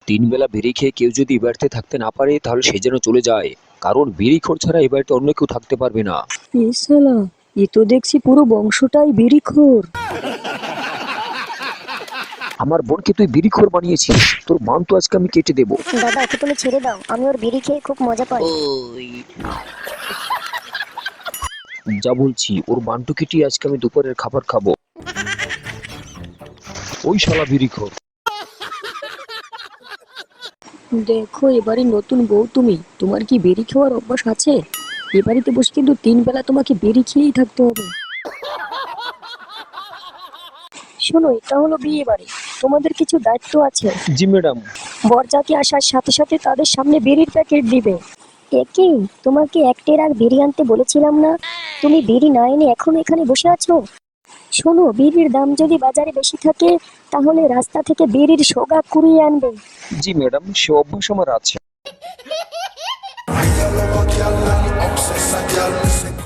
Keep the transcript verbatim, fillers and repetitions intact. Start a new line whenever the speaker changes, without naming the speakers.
তিন বেলা বিড়ি খেয়ে কেউ যদি এ বাড়িতে থাকতে না পারে তাহলে সে যেন চলে যায়, কারণ বিড়িখোর ছাড়া এ বাড়িতে অন্য কেউ থাকতে পারবে না।
এ শালা, এ তো দেখছি পুরো বংশটাই বিড়িখোর।
আমার বোনকে তুই বিড়িখোর বানিয়েছিস, তোর মান তো আজকে আমি কেটে দেবো।
দাদা ওকে তুমি ছেড়ে দাও, আমি ওর বিড়ি খেয়ে খুব মজা পাই।
যা বলছি, ওর মানটু কেটে আজকে আমি দুপুরের খাবার খাবো। ওই শালা বিড়িখোর।
দেখো, এবারে নতুন বউ তুমি, তোমার কি বিড়ি খাওয়ার অভ্যাস আছে? এ বাড়িতে বসে কিন্তু তিন বেলা তোমাকে বিড়ি খেয়েই থাকতে হবে। শোনো, এটা হলো বিয়ে বাড়ি, তোমাদের কিছু দায়িত্ব আছে।
জি ম্যাডাম।
বরযাত্রী আসার সাথে সাথে তাদের সামনে বিড়ির প্যাকেট দিবে।
একি, তোমাকে একটের আর বিড়ি আনতে বলেছিলাম না? তুমি বিড়ি না এনে এখন এখানে বসে আছো?
শোনো, বিড়ির দাম যদি বাজারে বেশি থাকে তাহলে রাস্তা থেকে বিড়ির সোগা কুড়িয়ে আনবে।
জি ম্যাডাম, সে অভ্যাস আমার আছে।